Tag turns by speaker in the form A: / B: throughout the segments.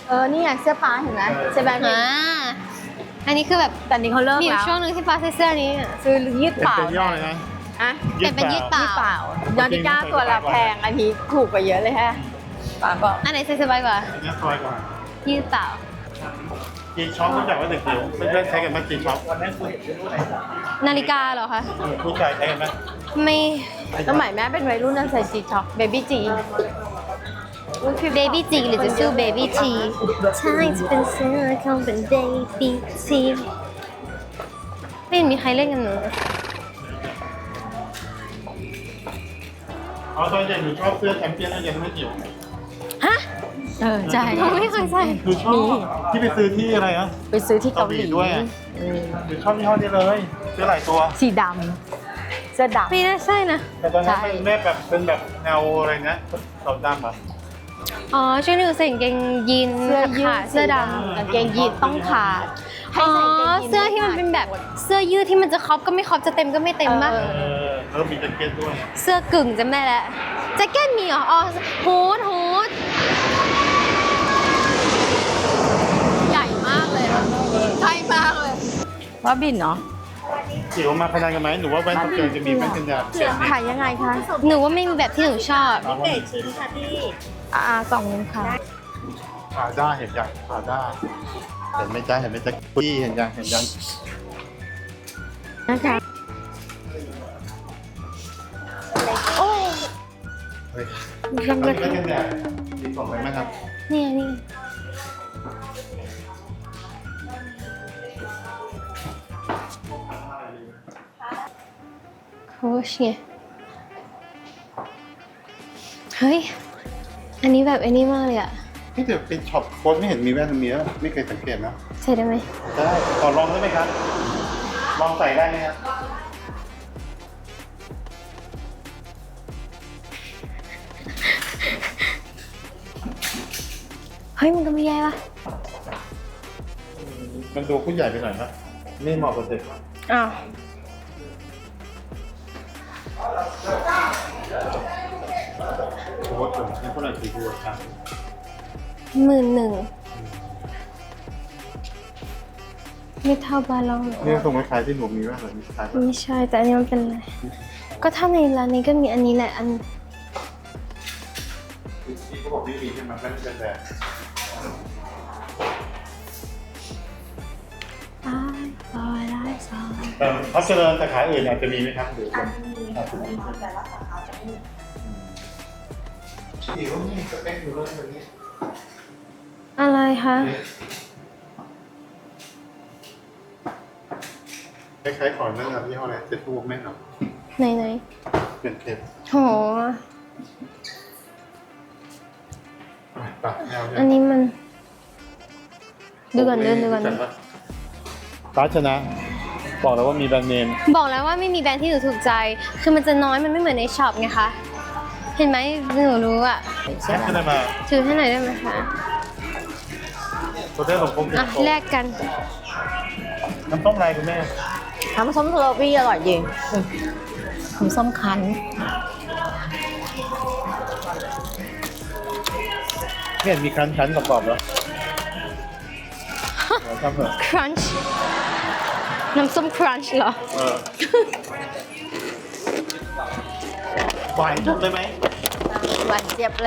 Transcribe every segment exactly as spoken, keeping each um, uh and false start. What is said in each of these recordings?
A: เออนี่ไงเสื้อป้าเห็นไหมใช่ไหม
B: อ่าอันนี้คือแบบ
A: แต่นี้เขาเลิก
B: มีอ
A: แล้
B: ยู่
A: ว
B: ช่วงนึงที่ป้าใส่เสื้อนี้อะ
A: ซื้อยืดเปล่า
C: เป็นย่อเลยนะ
A: อะ
B: เปลี่ยนเป็นยืดเปล่า
A: ยืดเปล่ายอนติก้าตัวละแพงอันนี้ถูกกว่าเยอะเลยฮะป้าบอก
B: อันไหนใส่สบายกว่า
C: อันนี้ซอยกว่า
B: ยืดเปล่า
C: จีช็อปรู้จักว่าเด็กเดียวเพื่อนๆใช้กันไหมจีช็อป
B: นาฬิกาเหรอคะ
C: ผู้ชายใช้กันไหม
B: ไม่
A: สมัยแม่เป็นวัยรุ่นน่ะใส่จีช็อปเบบี้จี
B: เบบี้จีหรือจะชื่อเบบี้ทีใช่จะเป็นเสื้อของเป็นเบบี้ทีไม่เห็นมีใครเล่นกันเลย
C: อ๋อตอนเย็นหนูชอบเสื้อแชมเปี้ยนแล้วยังไม่เกี่ยว
B: ฮะ
A: เออใช่
B: หนูไม่เคยใส่
C: หนูชอบที่ไปซื้อที่อะไรนะ
A: ไปซื้อที่เกาหลี
C: เกาหลีด้วยอะ
A: เออ
C: หนูชอบยี่ห้อนี้เลยซื้อหลายตัว
A: สีดำเสื้อดำ
B: ไม่น่าใช่นะ
C: แต่ตอนนั้น
A: ใช่
C: เป็นแม่แบบเป็นแบบแนวอะไรนะขาวดำอ่ะ
B: อ๋อช่วงนึงใส่กางเกงยีน
A: เสื้อยืด
B: ขาเสื้อด
A: กางเกงยีนต้องขาด
B: ำ
A: ให้
B: อ๋อ
A: ใส่กางเกงยีน
B: เสื้อที่มันเป็นแบบเสื้อยืดที่มันจะครอบก็ไม่ครอบจะเต็มก็ไม่เต็มป่ะ
A: เอ
C: เออแล้วมีแจ็คเก็ตด้วย
B: เสื้อกึ่งจำได้แล้วแจ็คเก็ตมีเหรออ๋อฮูดฮูด
A: ใหญ่มากเลยใช่มากเลยว่าบินเนาะ
C: จิ๋วมาพนันกันไหมหนูว่าแว่นสเกลจะมีแว่นกันยาเต็มนี่
A: ขายยังไงคะ
B: หนูว่าไม่มีแบบที่หนูชอบ
C: เอาว่า
A: อ่าสองนึงค่ะ
C: ขาด้าเห็นยังขาด้าเห็นไหมจ๊ะเห็นไหมจ๊ะพี่เห็นยังเห็นยัง
A: นะคะ
B: โอ้
C: เฮ้ย
B: ทำ
C: แว่
B: เลย
C: นกันยาดีกว่าไหมครับ
B: นี่ไงนี่โค้ชไงเฮ้ย อันนี้แบบไอ้นี่มากเลยอะ
C: นี่เดี๋ยวไปช็อปโค้ดไม่เห็นมีแว่นตรงนี้แล้วไม่เคยสังเกตนะ
B: ใส่ได้ไหม
C: ได้ขอลองได้ไหมครับลองใส่ได้ไหมครับ
B: เฮ้ย มันก็ไม่แย่ป่ะ
C: มันดูผู้ใหญ่ไปหน่อยนะไม่เหมาะกับเด็ก
B: อ้าว
C: โค้ดผมให้คนละสี่ตัวครับ
B: หมื่นหนึ่งไม่เท่าบาลองหรอ
C: นี่ตรงคล้ายๆที่หนูมีแว่นเหรอมีคล้าย
B: ไม่ใช่ แต่อันนี้มันเป็นอะไร ก็ถ้าในร้านนี้ก็มีอันนี้แหละ อัน
C: ที่เขาบอกไม่มีใช่ไหมแว่นกันแดด
B: ตายตายได้สอง
C: แต่พัชเจริญสาขาอื่นอาจจะมีไหมครับหรืออาจจะมีแต่ละสาขาจะไม่มีอีกว่ามีสเปคอยู่เลยแบบนี้
B: อะไรคะ
C: คล้ายๆของนั่นครับยี่ห้ออะไรเซ็ตทูแม่นเหรอ
B: ไหนไหน
C: เป็นเทป
B: โห
C: ปากแนว
B: อันนี้มัน ดูก่อนเดินดูก่อน
C: ฟ้าชนะ บอกแล้วว่ามีแบรนด์เนม
B: บอกแล้วว่าไม่มีแบรนด์ที่หนูถูกใจ คือมันจะน้อยมันไม่เหมือนในช็อปไงคะ เห็นไหมหนูรู้อ่ะ
C: แค่ได้มา
B: ถือให้หน่อยได้ไหมคะ
C: ตัวเท่หลงคง
B: อ่ะแลกกัน
C: น้ำต้มอะไรคุณแม่
A: น้ำส้มโรบี้อร่อยจริงน้ำส้มคั้น
C: ไม่เห็นมีคันคันๆกรอบๆเหรอเราทำเถอะ
B: ครันช์ น้ำส้มครันช์เหรอ
C: เออหวานจุกเลยไหม
A: หวานเจี๊ยบเลย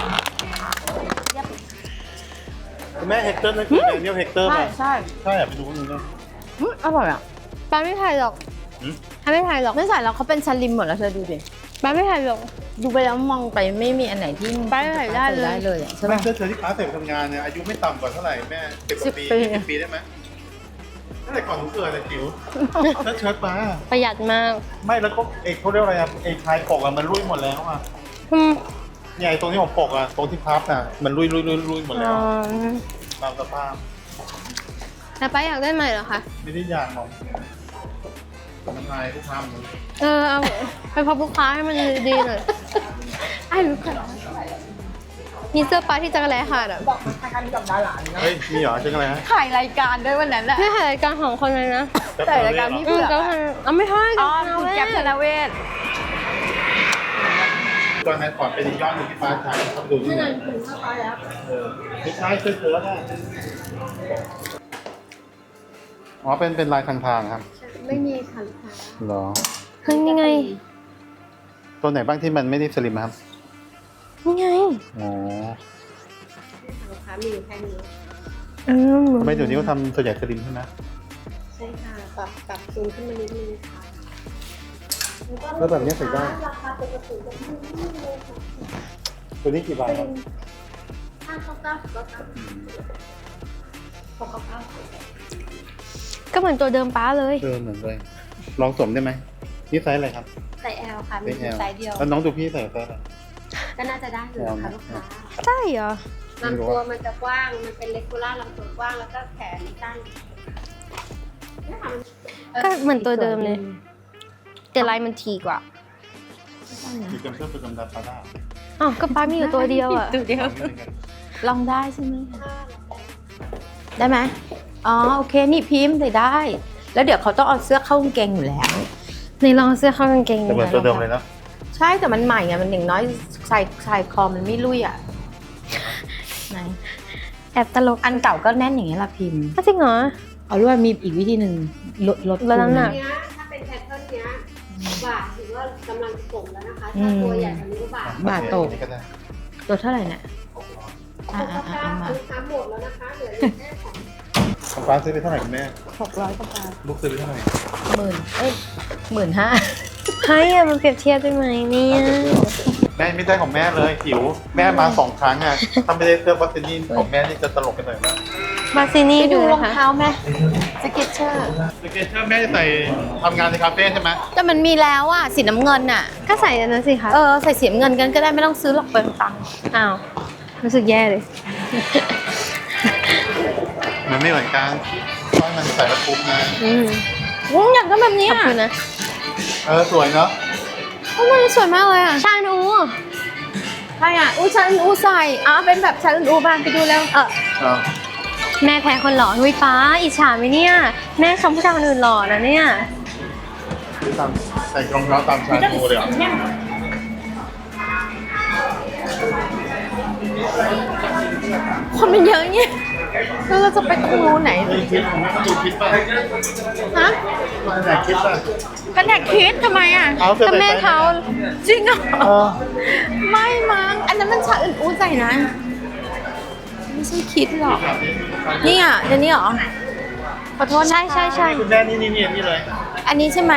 C: คุณแม่เฮกเตอร์นั่นคือแดเนียลเฮกเตอร์
A: ใช่
C: ป่ะ
A: ใช่
C: ใช่อะไปดูนึงนะ
A: อืมอร่อยอ่ะ
B: ป้าไม่ถ่ายหรอก
C: หืม
B: ป้าไม่ถ่ายหรอก
A: ไม่ใส่แล้วเขาเป็นสลิมหมดแล้วเธอดูดิ
B: ป้าไม่ถ่ายหรอก
A: ดูไปแล้วมองไปไม่มีอันไหนที่
B: ไปไหนได้เลย
A: ได้เลยอะใช่
C: แม่
A: ไหม
C: เธอเธอที่ค้าเสร็จทำงานเนี่ยอายุไม่ต่ำกว่าเท่าไหร่แม่สิบ
A: สิบ
C: ปี
A: ปี
C: สิบปีได้ไหมตั้งแต่ก่อนหนูเกิดแต่จิ๋วถ้าเชิดมา
B: ประหยัดมาก
C: ไม่แล้วก็เอกเขาเรียกอะไรอะไอ้ชายปกอะมันรุ่ยหมดแล้วอะ
B: อืม
C: เนี่ยไอ้ตรงที่ผมปกอะตรงที่พับอะมันรุ่ยรุ่ยรุ่ยรุ่ยหมดแล้ว
B: อ๋อ
C: ตามสภาพ
B: แล้วป้าอยากได้ใหม่เหรอคะ
C: ไม่ได้อยากหรอกมันอายทุกทำเลย
B: เออเอาไปพบลูกค้าให้มันดีๆหน่อยไอ้ลูกค้ามีเสื้อป้าที่จักรแลขาดอ่ะ
C: เฮ้ยมีเหรอจังอะไรฮะ
A: ถ่ายรายการด้วยวันนั้นแหละ
B: ไม่ถ่ายรายการของคนเลยนะ
A: ถ่ายรายการพี่
B: อื
A: เผื
B: ม
A: อก
B: ก็
A: อะ
B: ถ่ายเอาไม่ถ่าย
A: อ๋อ
B: เอา
A: คุณ
B: แม่
A: แก๊ปธนเวศ
C: ก่อนนะก่อนเป็นอีกยอดหนึ่งที่ฟ้าใช้เขาไปดูที่ไหนเออไม่ใช่เสื้อเชิ้ตอะอ๋อเป็นเป็นลายทางทางครับ
A: ไม่มีค่ะลูกค้า
C: เหรอ
B: เฮ้ยนี่ไง
C: ตัวไหนบ้างที่มันไม่ได้สลิมครับ
B: นี่ไง
C: อ๋อ
A: ลูกค้ามีอยู่แค่นี้
B: อืม
C: ทำไมเดี๋ยวนี้เขาทำส่วนใหญ่สลิมใช่ไหม
A: ใช่ค่ะปรับปรับซูมขึ้นมานิดนึงค่ะ
C: แล้วแบบนี้ใส่ได้
A: ราคาปกติจะไม่ไม่เลยค่ะ
C: ตัวนี้กี่บาทครับ
A: ห้าเก้าเก้าเก้าเก้าหกเก้าเก้า
B: ก็เหมือนตัวเดิมป้าเลย
C: เออเหมือนเลยลองสวมได้ไหมนี่ไซส์อะไรครับ
A: ใส่แอลค่ะมี
C: ไซส์
A: ไซส์เดียว
C: แล้วน้องดูพี่ใส่ไซส์อะไร
A: ก็น่าจะได้อยู่ค่ะลูกค้า
B: ใช่เหรอ
A: ลำตัวมันจะกว้าง มันเป็นเลกูล่าลำตัวกว้างแล้วก็แขนสั้นเนี่ยค่ะมัน
B: ก็เหมือนตัวเดิมเลย แต่ลายมันทีกว่า
C: สีจำเสื้อประจำดาปาด้า
B: อ๋อก็ป้ามีอยู่ตัวเดียวอ่ะ
A: ตัวเดียว
C: ลองนิดนึงกัน
A: ลองได้ใช่ไหมได้ไหมอ๋อโอเคนี่พิมพ์ใส่ได้ แล้วเดี๋ยวเขาต้องเอาเสื้อเข้ากางเกงอยู่แล้ว
B: ในลองเอาเสื้อเข้ากางเกง
C: แต่เหมือนตัวเดิมเลยนะ
A: ใช่แต่มันใหม่ไงมันอย่างน้อยใส่ใส่คอมันไม่ลุยอ่ะไหน
B: แอบตลก
A: อันเก่าก็แน่นอย่างนี้ยละพิมพ์
B: จริงเหรอ
A: เอาด้วยมีอีกวิธีหนึ่งลดลด
B: ลดน้ำหนัก
A: เนี้ยถ้าเป็นแพทเทิร์นเนี้ยบาทถือว่ากำลังส่งแล้วนะคะถ้าตัวใหญ่กว่านี้ก็บาทบาทโต
C: อันนี้ก็ได้
A: ลดเท่าไหร่เนี่ยอ่า
B: Ah,
A: อ่าอ่าเอามา
B: ah.
A: ลูกค้าหมดแล้วนะคะเหลืออยู่แค่สอง
C: ของฟ้าซื้อไปเท่าไหร่คุณแม่
A: หกร้อยกว่าบาท
C: ลูกซื้อไปเท่าไหร่
A: หมื่นเอ้ยหมื่นห้า
B: ให้อะมันเปรียบเทียบได้ไหมเนี่ย
C: แม่ไม่ได้ของแม่เลยหิวแม่มาสองครั้งอ่ะถ้าไม่ได้เสื้อวัสดินของแม่นี่จะตลกกันหน่อยมาก
B: มาซินี่
A: ไปดู
B: ดู
A: รอง
B: นะคะ
A: เท้าไหมสเก็ตเชอร์
C: สเกตเชอร์แม่จะใส่ทำงานในคาเฟ่ใช่ไหม
A: แต่มันมีแล้วอ่ะสีน้ำเงินอ่ะ
B: ก็ใส่อันนั้นสิคะ
A: เออใส่สีน้ำเงินกันก็ได้ไม่ต้องซื้อหรอกเปลืองตังค์
B: อ้าวรู้สึกแย่เลย
C: มันไม่เหมือนกันเพราะมันใส่แล้วคุ้มนะ
B: อืม
A: อืมอยากได้แบบนี้
B: ขอบ
A: อ่ะ
B: คุณนะ
C: เออสวยเนาะ
A: โอ้ยสวยมากเลยอ่ะ
B: ชานู
A: ใช่อ่ะอู้ชันอู้ใส่อ่ะเป็นแบบชันอู้บ้านไปดูแล้ว
B: เออ
C: อ่า
B: แม่แพ้คนหล่อหุยป้าอิจฉาไหมเนี่ย แม่ชมผู้ชายคนอื่นหล่อนะเนี่ย
C: ตามใส่รองเท้าตามชาโูเลยเหรอ
A: คนมันเยอะเงี้ยแล้วเราจะไปตรงนู้นไหน
C: มีคิดผมไม่ต้องดูคิดป่ะ
A: ฮะ
C: มาไหนคิดป่ะ
A: กันแดกคิดทำไมอ่ะ
C: เอาเสื้อ
B: ก็
C: ใส่
B: แม่
C: ไป
B: เขา
A: จริงเหรอ
C: เออ
A: ไม่มั้งอันนั้นมันชาอื่นอู้ใส่นะไม่ใช่คิดหรอกนี่อ่ะเดี๋ยวนี้เหรอขอโทษนะ
B: ใช่ใช่ใช่
C: คุณแม่นี่นี่นี่นี่เลย
A: อันนี้ใช่ไหม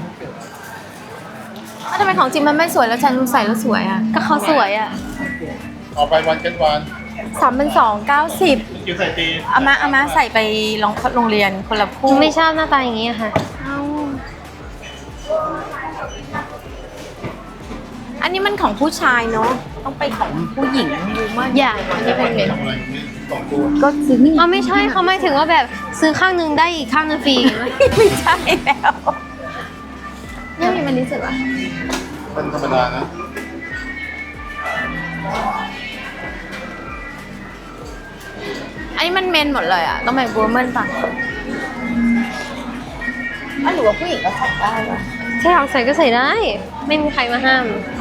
A: อ้าวทำไมของจริงมันไม่สวยแล้วฉันรู้ใส่แล้วสวยอ่ะ
B: ก็เขาสวยอ่ะ
C: ออกไปวันเกินวัน
A: สามพันสองเก้าสิบ
C: คิวใส่ตี
A: เอามาเอามาใส่ไปโรงโรงเรียนคนละคู่
B: ไม่ชอบหน้าตาอย่างนี้อะค่ะ
A: เอาอันนี้มันของผู้ชายเนาะต้องไปของผู้หญิงดูมาก
B: อย่า
A: อันนี้เป็นเน็ต
C: ทำอะไรนี่สองตัว
A: ก็ซื้อนี่
B: เขาไม่ใช่เขาไม่ถึงว่าแบบซื้อข้างหนึงได้อีกข้างหนึงฟรี
A: ไม่ใช่แล้วเนี่ยมีมันนี้สุดวะ
C: เป็นธรรมดานะ
A: อันนี้มันเมนหมดเลยอ่ะต้องเป็นบูมเมนป่ะอันหรือว่าผู้หญิงก็ใส่ได้ป่ะ
B: ใช่เอาใส่ก็ใส่ได้ ไม่มีใครมาห้าม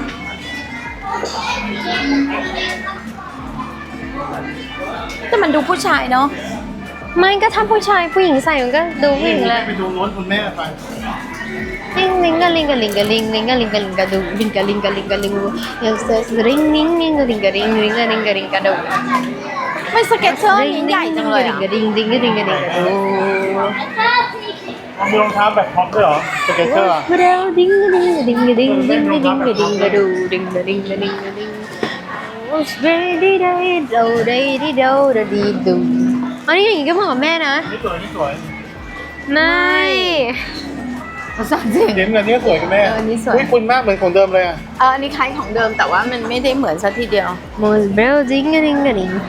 A: แต่มันดูผู้ชายเนาะ
B: ไม่ก็ถ้าผู้ชายผู้หญิงใส่มันก็ดูผู้หญิงแหละ
C: ไปดูโน้นคุณแม่ไป
B: ลิงลิงกะลิงกะลิงกะลิงลิงกะลิงกะลิงกะดูลิงกะลิงกะลิงกะลิงเอลเซสริงลิงลิงกะลิงกะลิงลิงกะลิงกะลิงกะดู
A: ไม่สเก็ตเชอร์นี้ใหญ่จังเลยอ่ะ
B: กะลิงลิงกะลิงกะลิงกะดู
C: มีรองเท้าแบบท็อปด้วยเหรอสเก็ตเชอร์
B: เร็วดิ้งดิ้งดิ้งดิ้งดิ้งดิ้งดิ้งดิ้งกะดูดิ้งดิ้งดิ้งดิ้งดิ้งโอ้สเปรดี้ได้โดได้ดีโดได้ดีดูอันนี้อย่างงี้ก็เหมือนกับแม่นะ
C: นี่สวยนี่สวย
B: ไม่
A: ภาษาจริง
C: เห็นแบบนี้สวยคุณแม่
A: เอออันนี้สวย
C: อุ้ยคุณมากเหมือนของเดิมเลยอ่ะ
A: เอออันนี้คล้ายของเดิมแต่ว่ามันไม่ได้เหมือนซะทีเดียว
B: โมสเบลดิ้งกะลิงกะลิง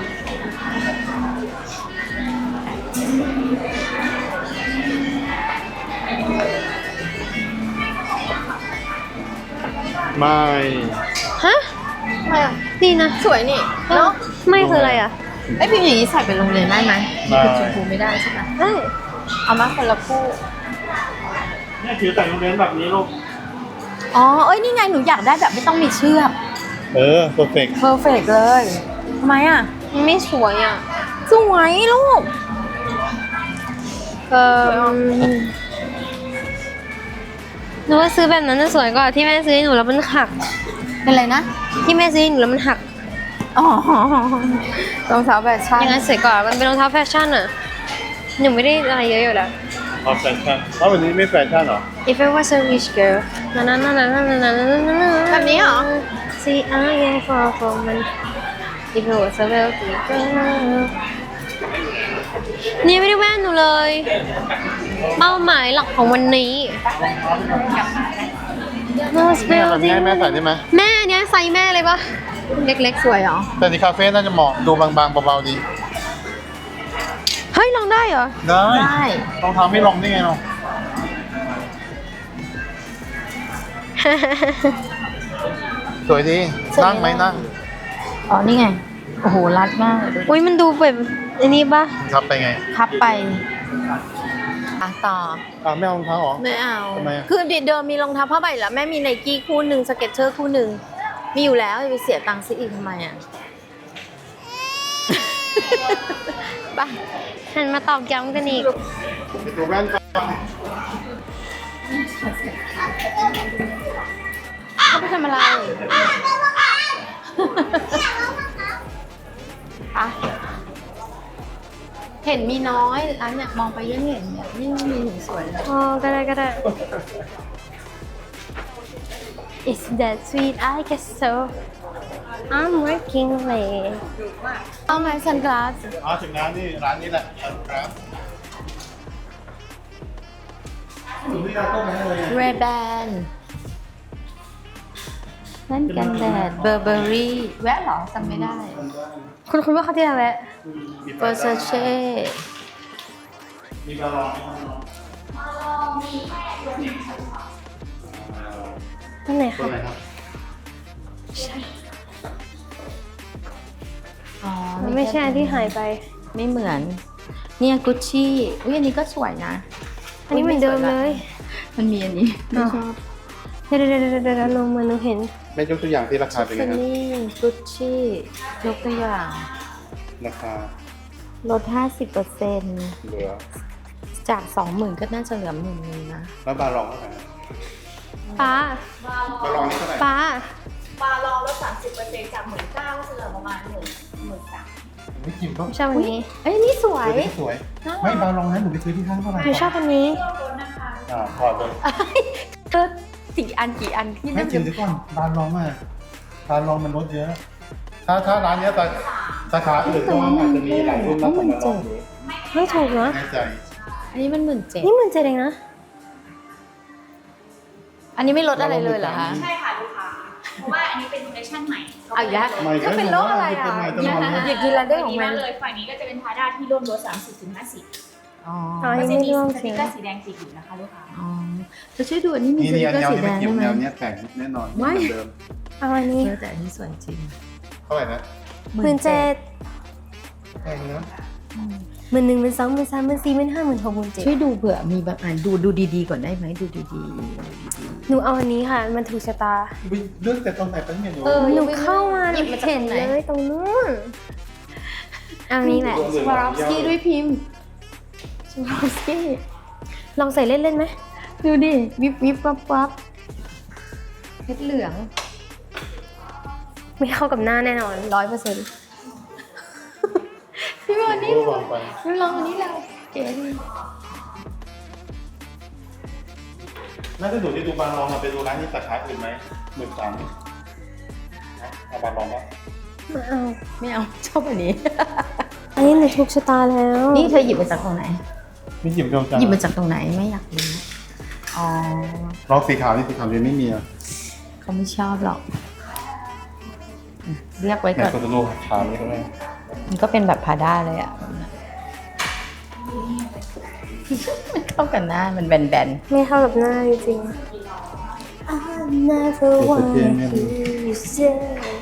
C: ไม่
B: ฮะ
A: ไม่อะ
B: ดีนะ
A: สวยนี่เนาะ
B: ไม่คืออะไรอ่ะ
A: ไอยพิมพ์อย่างนี้ใส่ไปโรงเรียนได้ไหมคือชมพูไม่ได้ใช่ไหม
B: ได้
A: เอามาคนละคู่
C: เนี่ยถือใส่โรงเรียนแบบนี้ลูก
A: อ๋อเอ้ยนี่ไงหนูอยากได้แบบไม่ต้องมีเชือก
C: เออเพอร์เฟกต์
A: เพอร์เฟกเลยทำไมอ่ะ
B: มันไม่สวยอ่ะ
A: สวยลูก
B: เออหนูว่าซื้อแบบนั้นจะสวยกว่าที่แม่ซื้อให้หนูแล้วมันหัก
A: เป็นไรนะ
B: ที่แม่ซื้อให้หนูแล้วมันหัก
A: อ๋อรองเท้าแฟชั่น
B: อย่างนั้นสวยกว่ามันเป็นรองเท้าแฟชั่นอ่ะหนูไม่ได้อะไรเยอะอยู่แล้ว
C: อ๋อแฟชั่นเพราะวันนี้ไม่แฟชั่นเหรอ
B: If I was a rich girl นั่นนั่นนั่นนั่นนั่นนั่นนั่น
A: แบบนี้เหรอ
B: See I am far from man If I was a wealthy girl นี่ไม่ได้แว่นหนูเลย เป้าหมายหลักของวันนี้ Most
C: แม่แบบ
B: wealthy
C: นี้ให้แม่ใส่ได้ไหม
B: แม่อันเนี้ยไซส์แม่เลยปะเล็ก
A: สวยเหรอ
C: แต่ที่คาเฟ่น่าจะเหมาะดูบางๆเบาๆดี
B: ๆ เฮ้ยลองได้เหรอ
C: ได้
A: ได้
C: รองเท้าไม่ลองได้ไงเนาะสวยดีนั่งไหมนั่ง
A: อ๋อ นี่ไง โอ้โห รัดมากเลย
B: อุ้ยมันดูแบบอันนี้ปะ
C: ครับไปไง
A: พับไปอ่ะต่อ
C: อ่าไม่เอารองเท้าเหรอ
A: ไม่เอา
C: ทำไมอะ
A: คือเดิมมีรองเท้าผ้าใบแล้วแม่มีไนกี้คู่หนึ่งสเก็ตเชอร์คู่หนึ่งมีอยู่แล้วจะไปเสียตังค์ซื้ออีกทำไมอ่ะ ไป
B: หันมาตอกย้ำกันอีก
C: ไปตัวแว่นก่อน
A: เขาไปทำอะไรอะเห็นมีน้อยร้านเนี่ยมองไปยังเห็นเนี่ยยิ่งมีถึงสวยเลย
B: อ๋อก็ได้ก็ได้ Is that sweet I guess so I'm working late
A: เอาไหมซันกลาส
C: อ๋อถึงร้านนี่ร้านนี้แหละครับดูที่ร้านต้มให้เลย
A: เรแบนนั่นกันแดดเบอร์เบอรี่แวะเหรอจำไม่ได้
B: คุณคุณว่าเขาที่อะไร
A: เปอร์เซเช่
C: มีบาลองไหม
B: นั่นไหน
C: ตัว
B: คะ
C: ไหนครับ
A: อ๋อ
B: มันไม่ใช่อันที่หายไป
A: ไม่เหมือน เนี่ยกุชชี่อุ้ยอันนี้ก็สวยนะ
B: อันนี้เหมือนเดิมเลย
A: มันมีอันนี้ไม่ชอบ
B: เดี๋ยวเดี๋ยวเดี๋ยวเดี๋ยวลงมาหนูเห็น
C: ไม่ยกตัวอย่างที่ราคาเป็นไง
A: ซัน
C: ครับ
A: นี่กุชชี่ยกตัวอย่าง
C: ราคา
A: ลด ห้าสิบเปอร์เซ็นต์
C: เหลือ
A: จาก สองหมื่น ก็น่าจะเหลือหมื่นนึงนะ
C: แล้วบาลองเท่าไหร่
B: ป้า
C: บาลองนี่เท่าไหร่
B: ป้า
D: ปลาลองลดสามสิบเปอร์เซ็นต์จากหมื่นเก้าก็จะเหลือประมาณหมื่นหมื่นสาม
C: ไม่กินก็
B: ชอบอันนี้
A: เอ้ยนี่สวย
C: ตัวนี้สวย ไม่บาลองนั้นหนูไปซื้อที่ห้างเท่าไหร่
B: หนูชอบอันนี้
C: อ่าพอเลย
A: เออกี่อันกี่อันที่
C: ไม่
A: นั่น
C: กินดีก่อนบาลองอ่ะบาลองมันลดเยอะ ถ้าถ้าร้านเนี้ยแต่สาขาอื่นก็อาจจะมีหลายรุ่นมากกว่าบาลองอยู่
B: ไม่ถูกนะ
C: แน่ใจ
A: อันนี้มันหมื่นเจ็ด
B: นี่มันเจ็ดเองนะ
A: อันนี้ไม่ลดอะไรเลยเหรอคะ
D: ใช่ค่ะลูกค้า เพราะว่าอันนี้เป็นคอลเลคชั่นใหม่
A: เอาอีกแล้ว
C: ไม่
A: ถ้าเป็นโรคอะไรอ่ะ
C: เป็นไงตลอดเลย
A: อยากกินอะไรได้
D: ได้
A: ข
D: ข
A: อ
D: อง ง
A: มั
D: มัน นเลยฝั่งนี้ก็จะเป็นพาด้าที่ร่วมลดสามสิบถึงห้าสิบ
A: อ๋อ
B: อ๋อ
D: ก็
B: ยัง
D: จะ
B: ไม่
D: มี
B: ร่วม
D: ส
B: เสี
D: ติ๊
B: ย
D: กเกอร์สีแดงติดอยู่นะคะลูกค้า
A: อ๋อเธอช่วยดูอันนี้มี
C: นี่
A: ส
C: นี่
A: ติ๊ก
C: อัน
A: เกอร์
C: แนว
A: สี
C: นี้
A: แด
C: ไม่
A: ง
C: เกี่ยว
A: ได้ไหม
C: แนวเนี้ยแต่งแน่นอน
A: ไม่
C: เหมือนเดิม
B: เอาอันนี้
A: เออแต่อันนี้สวยจริง
C: เท่าไหร่นะ
B: หมื่นเจ็ด
C: แพงนะ
B: หมื่นหนึ่งหมื่นสองหมื่นสามหมื่นสี่หมื่นห้าหมื่นหกหมื่นเจ็ด
A: ช่วยดูเผื่อมีบางอันดูดูดีๆก่อนได้ไหมดูดี
B: หนูเอาอันนี้ค่ะ มันถูกชะตา
C: อุ๊ยเลือกแต่ตอนไหนเป็นเนี่ยหนู
A: เออ
B: หนูเข้ามาห
A: ห
B: นู
A: ยิบมาจาก
B: เห็น
A: ตรงไหน
B: เลยตรงนู้นเอาอันนี้แหละ
A: ๆสวารอฟสกี้ด้วยพิมพ์สวารอฟสกี้
B: ลองใส่เล่นๆไหม
A: ดูดิวิบวิบวับวับเพชรเหลือง
B: ไม่เข้ากับหน้าแน่นอนร้อยเปอร์เซ็นต์
A: พี่บอลนี่
C: ก็วางไป
A: พี่ลองอันนี้แล้วเก๋ดี
C: น่าจะหนูที่ดูบาลองมาไปดูร้านที่สาขาอื่นไหมหมื่นสามเอาบาลองปะ
B: ไม่เอา
A: ไม่เอาชอบอันนี้
B: อันนี้หนูถูกชะตาแล้ว
A: นี่เธอหยิบมาจากตรงไหน
C: ไม่หยิบเดียวกัน
A: หยิบมาจากตรงไหนไม่อยากรู้อ๋อ
C: ลองสีขาวนี่สีขาวเลยไม่มีอ่ะ
A: เขาไม่ชอบหรอกอืมเรียกไว้
C: แม่
A: ก่อน
C: ก็จะรู้ขาวนี่ก็ได้
A: มันก็เป็นแบบพาด้าเลยอ่ะ มันเข้ากันหน้ามันแบน
B: ไม่เข้ากับหน้าจริงๆ I never want you say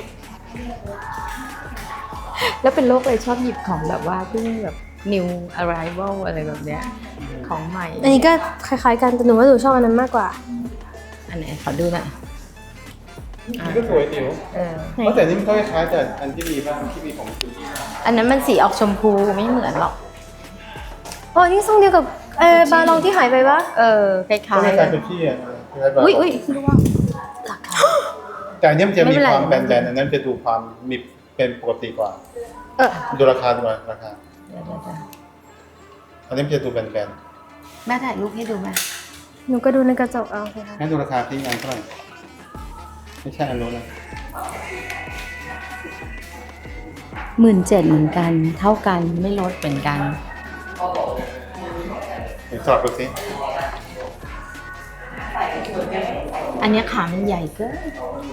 A: ๆแล้วเป็นโรคเลยชอบหยิบของแบบว่าเพิ่งแบบ new arrival อะไรแบบเนี้ยของใหม่
B: อันนี้ก็คล้ายๆกันแต่หนูว่าหนูชอบอันนั้นมากกว่า
A: อันไหนขอดูหน่อย
C: นี่ก็สวยจิ๋ว
B: เออ
C: เพราะแต่นี่มันก็คล้ายๆแต่อันที่มีบ้างที่มีของคุณ
A: อันนั้นมันสีออกชมพูไม่เหมือนหรอก
B: อ๋อนี่ทรงเดียวกับเออบาลองที่หายไปปะ
A: เออคล้
C: ก็
A: าย
C: ค
A: ๆเล
C: ล้าย
A: ย
C: ๆกับที่อ่ะคล้ายๆแบบ
A: อุ้ยอุ้ยร่วงราคา
C: แต่อันนี้มันจะ
A: ไม่
C: มี
A: เป็นไร
C: ความแบนๆอันนั้นจะดูความมีเป็นปกติกว่า
A: เออ
C: ดูราคาดูราคา
A: เดี๋ยวเดี๋ยวเดี๋ยว
C: อันนี้มันจะดูแบน
A: แม่ถ่ายรูปให้ดูไหม
B: หนูก็ดูในกระจกเอาสิคะ
C: ๆงั้นดูราคาที่งานเท่าไหร่ไม่ใช่อันนู้นนะ
A: หมื่นเจ็ดเหมือนกัน เท่ากันไม่ลดเหมือนกัน
C: เดี๋ยวสอบดูสิ
A: อันเนี้ยขามันใหญ่เกิน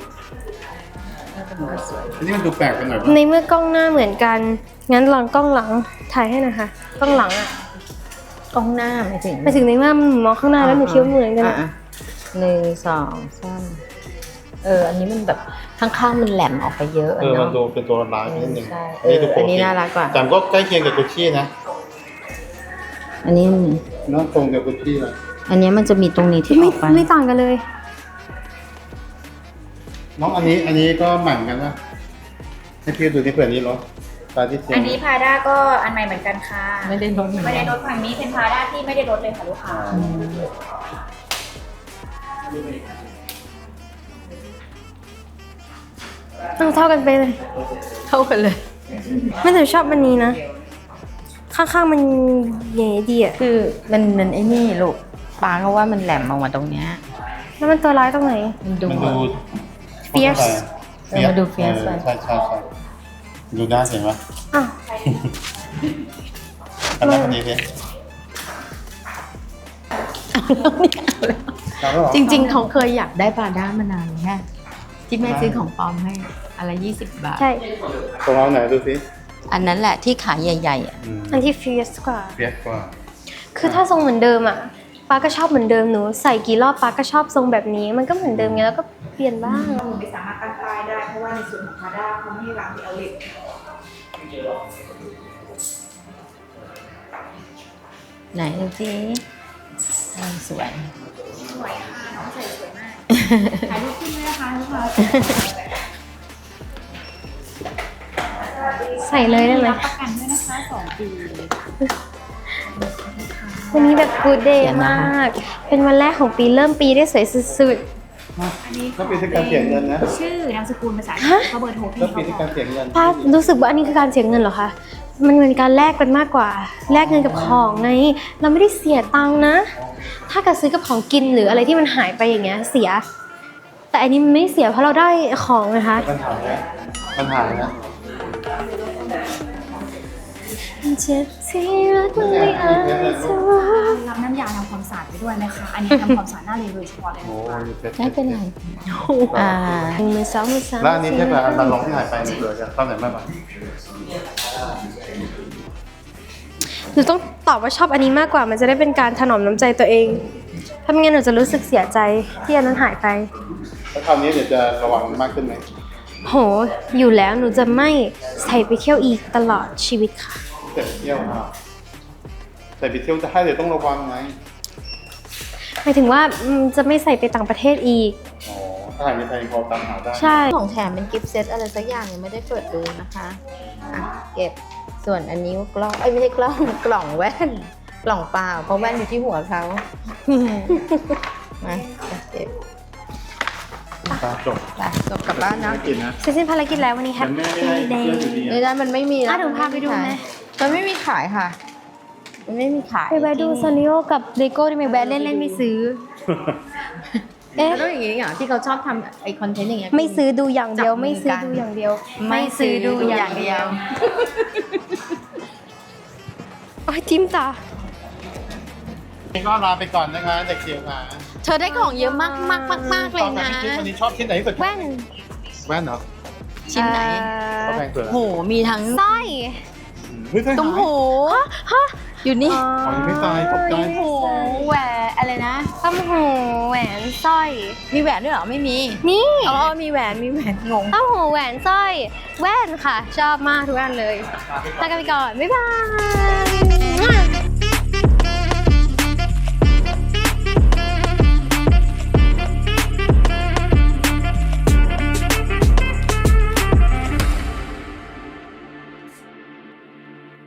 C: อันนี้มันดูแปลกไปหน่อย
B: ใน
C: ป่ะ
B: เมื่อกล้องหน้าเหมือนกัน งั้นลองกล้องหลังถ่ายให้นะคะ กล้องหลังอะ
A: กล้องหน้าไม่ถึง
B: ไปถึงในว่ามันมองข้างหน้าแล้วหนูคิดว่าเหมือนกันอะ
A: ะะหนึ่งสองสามเออ อันนี้มันแบบข้างๆมันแหลมออกไปเยอะ
C: เออมัน
A: เนาะ
C: ดูเป็นตัวร้ายนิดนึง
A: ใช่
C: อันนี้ดูป
A: เอออั
C: ก
A: นนี้
C: ติ
A: น่ารักกว่า
C: แต่ก็ใกล้เคียงกับกุชชี่นะ
A: อันนี้
C: น้องตรงกับกุชชี่เลย
A: อันเนี้ยมันจะมีตรงนี้ที่อ
B: ไม่
A: อกไป
B: ไม่ต่างกันเลย
C: น้องอันนี้อันนี้ก็หมั่นกันนะให้พี่ดูที่เผื่อนี้รถตาที่เสียง
D: อันนี้พาด้าก็อันใหม่เหมือนกันค่ะ
A: ไม่ได้ลดเหมือน
D: ไม่
A: กั
D: ได้
A: น
D: ลดฝั่งนี้เป็นพาด้าที่ไม่ได้ลดเลยค่ะลูกค้า
A: อืม
B: เอาเท่ากันไปเลย
A: เท่ากันเลย
B: ไม่แต่ชอบมันนี้นะ ข้างๆมันใหญ่ดีอะ
A: คือมันมันไอ้นี่ลูกปาเขาว่ามันแหลมออกมาตรงเนี้ย
B: แล้วมันตัวร้ายตรงไหน
A: มันดู
C: มันดู
B: Fierce
A: เออมันดู fierce
C: เออใช่ใช่ใช่ดูหน้าเห็นไหม
B: อ้าว
C: อันนั้นอันนี้สิแล้วก็
A: จริงๆเขาเคยอยากได้ปลาด้ามานานแล้วแค่ที่แม่ซื้อของปลอมให้อะไรยี่สิบบาท
B: ใช่
C: ตรงเอาไหนดูสิ
A: อันนั้นแหละที่ขาใหญ่ๆอ่ะ
C: อืม
B: อันที่ fierce กว่า
C: เปียกกว่า
B: คือถ้าทรงเหมือนเดิมอะป้าก็ชอบเหมือนเดิมหนูใส่กี่รอบป้าก็ชอบทรงแบบนี้ มันก็เหมือนเดิมไงแล้วก็เปลี่ยนบ้าง
D: หนูไม่สามารถตั้งป้ายได้เพราะว่าในส่วนของพาด้าเขาไม่ให้วางที่เอาเล็ก
A: ไหนดูสิอ่าสวย
D: สวยค่ะน้องใส่สวยมากถ่ายรูปขึ้นไหมนะคะลูกค้า
B: ใส่เลยได้ไหม
D: รับประกันด้วยนะคะสองปี
B: วันนี้แบบ good day มาก เป็นวันแรกของปีเริ่มปีได้สวยสุด
D: อันนี้
C: แล้วปีที่การเสียเงินนะ
D: ชื่อนามสกุลภาษาอังกฤษก็เบอร์โทรพี่
C: แล้วปี
D: เขา
C: ที่
D: บ
C: กา
D: อ
C: ร
D: ก
C: เสียเงิน
B: ๆป้ารู้สึกว่าอันนี้คือการเสียเงินเหรอคะ มันเป็นการแลกกันมากกว่า แลกเงินกับของไง เราไม่ได้เสียตังค์นะ ถ้าเกิดซื้อกับของกินหรืออะไรที่มันหายไปอย่างเงี้ยเสีย แต่อันนี้มันไม่เสียเพราะเราได้ของนะคะ
C: ปัญหาเนี่ยปัญหาเนี่ย
B: เจ็บที่รักมันไม่อาจจะว่า
D: รับน้ำยาทำความสะอาดไปด้วยนะคะ อันนี้ทำความสะอาดหน้าเลยโดยเฉพาะเลย
C: โอ้
D: นะคะ
C: ย
A: ไม่เป็นไรอ่า
B: หนึ่งมือสองมือสาม
C: แล้วอันนี้เทียบกับอันบาลองที่หายไปมันเหลือกันตอนไหนมากกว่า
B: หนูต้องตอบว่าชอบอันนี้มากกว่า มันจะได้เป็นการถนอมน้ำใจตัวเอง ถ้าไม่งั้นหนูจะรู้สึกเสียใจที่อันนั้นหายไป
C: แล้วคราวนี้เดี๋ยวจะระวังมากขึ้นไหม
B: โห อยู่แล้วหนูจะไม่ใส่ไปเที่ยวอีกตลอดชีวิตค่ะ
C: แต่ไปเที่ยวอ่ะแต่ไปเที่ยวจะให้เดี๋ยวต้องระวังไง
B: หมายถึงว่าอืมจะไม่ใส่ไปต่างประเทศอีก
C: อ๋อถ้าหากมีใครพอตามหาได้
B: ใช่
A: ของแถมเป็นกิฟต์เซตอะไรสักอย่างยังไม่ได้เปิดดูนะคะอ่ะเก็บส่วนอันนี้กล้องเอ้ยไม่ใช่กล้อง กล่องแว่น กล่องเปล่าเพราะแว่นอยู่ที่หัวเขา มาเก็บ
C: ตาจบ
A: ไปจบกลับบ้านนะ
C: ไม่กินนะ
B: เสร็จสิ้นภารกิจแล้ววันนี้แฮป
C: แต่
B: ปี้
C: แม่ไม่
B: เด
C: ได้
B: ย์
C: เที่ยวอยู่ดี
A: ไม่ได้มันไม่มี
B: อ่ะ
A: แล้ว
B: เดี๋ยวพาไปดูไหม
A: มันไม่มีขายค่ะ มันไม่มีขาย
B: ไปแวะดูซาริโอกับเลโก้ได้ไหมแวะเล่นเล่นไม่ซื้อ เอ๊ะ
A: แล้วอย่างงี้อย่างที่เขาชอบทำไอคอนเทนต์อย่างเงี้ย
B: ไม่ซื้อดูอย่างเดียว
A: จับมือ
B: ไม่ซื้อ
A: กัน
B: ดูอย่างเดียว
A: ไม่ซื้อดูอย่างเดียว
B: โอ้ยจิ้มตา
C: ก็ลาไปก่อนนะคะเด็กเชียวค่ะ
A: เธอได้ของเยอะมากมากมากมากเลยนะ
C: วันนี้ชอบชิ้นไหนที่สุด
B: แว่น
C: แว่นเหรอ
A: ชิ้นไหน
C: เขาแพงเกิน
A: โห มีทั้ง
B: สร้อย
C: เฮ้ยใช่
A: ตุ้มหูอยู่นี่
C: อ๋อยังไม่ตายตกใจ
A: ตุ้มหูแหวนอะไรนะ
B: ต้มหูแหวนสร้อย
A: มีแหวนด้วยเหรอ ไม่มี
B: นี่
A: อ๋อ มีแหวน มีแหวนงง
B: ต้มหูแหวนสร้อย แว่นค่ะ ชอบมากทุกอันเลยลากันไปก่อน บ๊ายบาย